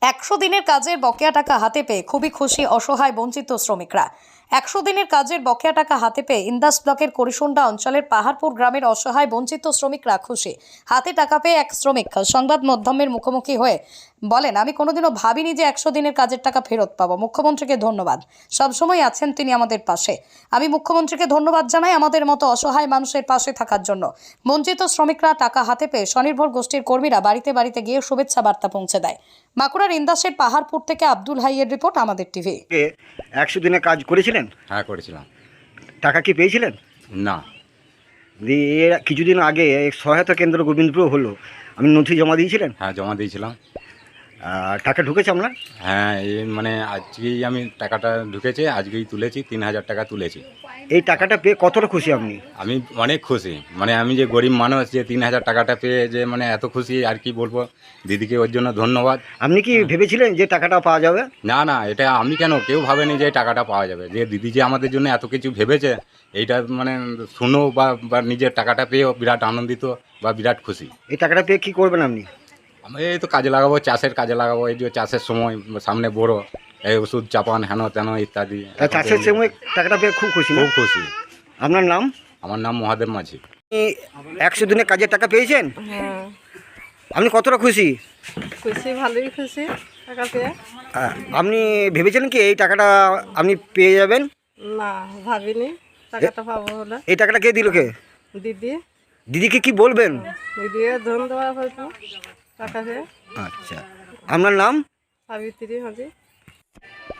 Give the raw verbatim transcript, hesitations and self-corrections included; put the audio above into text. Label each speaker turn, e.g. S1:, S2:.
S1: একশো দিনের কাজের বকেয়া টাকা হাতে পেয়ে খুবই খুশি অসহায় বঞ্চিত শ্রমিকরা। একশো দিনের কাজের বকেয়া টাকা হাতে পেয়ে ইন্দাস ব্লকের করিসুন্ডা অঞ্চলের পাহাড়পুর গ্রামের অসহায় বঞ্চিত শ্রমিকরা খুশি। হাতে টাকা পেয়ে এক শ্রমিক সংবাদ মাধ্যমের মুখোমুখি হয়ে বলেন, আমি কোনোদিনও ভাবিনি যে একশো দিনের কাজের টাকা ফেরত পাবো। মুখ্যমন্ত্রীকে ধন্যবাদ, সবসময় আছেন তিনি আমাদের পাশে। আমি মুখ্যমন্ত্রীকে ধন্যবাদ জানাই আমাদের মতো অসহায় মানুষের পাশে থাকার জন্য। বঞ্চিত শ্রমিকরা টাকা হাতে পেয়ে স্বনির্ভর গোষ্ঠীর কর্মীরা বাড়িতে বাড়িতে গিয়ে শুভেচ্ছা বার্তা পৌঁছে দেয়। বাঁকুড়ার ইন্দাসের পাহাড়পুর থেকে আব্দুল হাইয়ের রিপোর্ট, আমাদের টিভি।
S2: একশো দিনে কাজ করেছিলেন?
S3: হ্যাঁ করেছিলাম।
S2: টাকা কি পেয়েছিলেন?
S3: না।
S2: দিয়ে এর কিছুদিন আগে এক সহায়তা কেন্দ্র গোবিন্দপুর হলো, আপনি নথি জমা দিয়েছিলেন?
S3: হ্যাঁ জমা দিয়েছিলাম।
S2: আর টাকা ঢুকেছে আপনার?
S3: হ্যাঁ এই মানে আজকেই আমি টাকাটা ঢুকেছে, আজকেই তুলেছি, তিন হাজার টাকা তুলেছি।
S2: এই টাকাটা পেয়ে কতটা খুশি আপনি?
S3: আমি অনেক খুশি, মানে আমি যে গরিব মানুষ, যে তিন হাজার টাকাটা পেয়ে যে মানে এত খুশি আর কি বলবো। দিদিকে ওর জন্য ধন্যবাদ।
S2: আপনি কি ভেবেছিলেন যে টাকাটা পাওয়া যাবে?
S3: না না, এটা আমি কেন, কেউ ভাবেনি যে এই টাকাটা পাওয়া যাবে। যে দিদি যে আমাদের জন্য এত কিছু ভেবেছে, এইটা মানে শুনো বা বা নিজের টাকাটা পেয়েও বিরাট আনন্দিত বা বিরাট খুশি।
S2: এই টাকাটা পেয়ে কি করবেন আপনি?
S3: আমি এই তো কাজে লাগাবো, চাষের কাজে লাগাবো। এই যে চাষের সময় সামনে বড়, এই ওষুধ চাপান হেন তেন ইত্যাদি।
S2: তা চাষের সময় টাকাটা পেয়ে খুব খুশি না?
S3: খুব খুশি।
S2: আপনার নাম?
S3: আমার নাম মহাদেব মাঝি।
S2: আপনি একশো দিনে কাজের টাকা পেয়েছেন?
S4: হ্যাঁ
S2: আপনি কতটা খুশি?
S4: খুশি, ভালোই খুশি টাকা পেয়ে।
S2: আ- আপনি ভেবেছিলেন কি এই টাকাটা আপনি পেয়ে যাবেন?
S4: না ভাবিনি টাকাটা পাবো বলে।
S2: এই টাকাটা কে দিল? কে?
S4: দিদি
S2: দিদিকে কি বলবেন?
S4: দিদিকে ধন্যবাদ হয়তো টাকা পেয়ে।
S2: আচ্ছা, আপনার নাম?
S4: সাবিত্রী হাজি।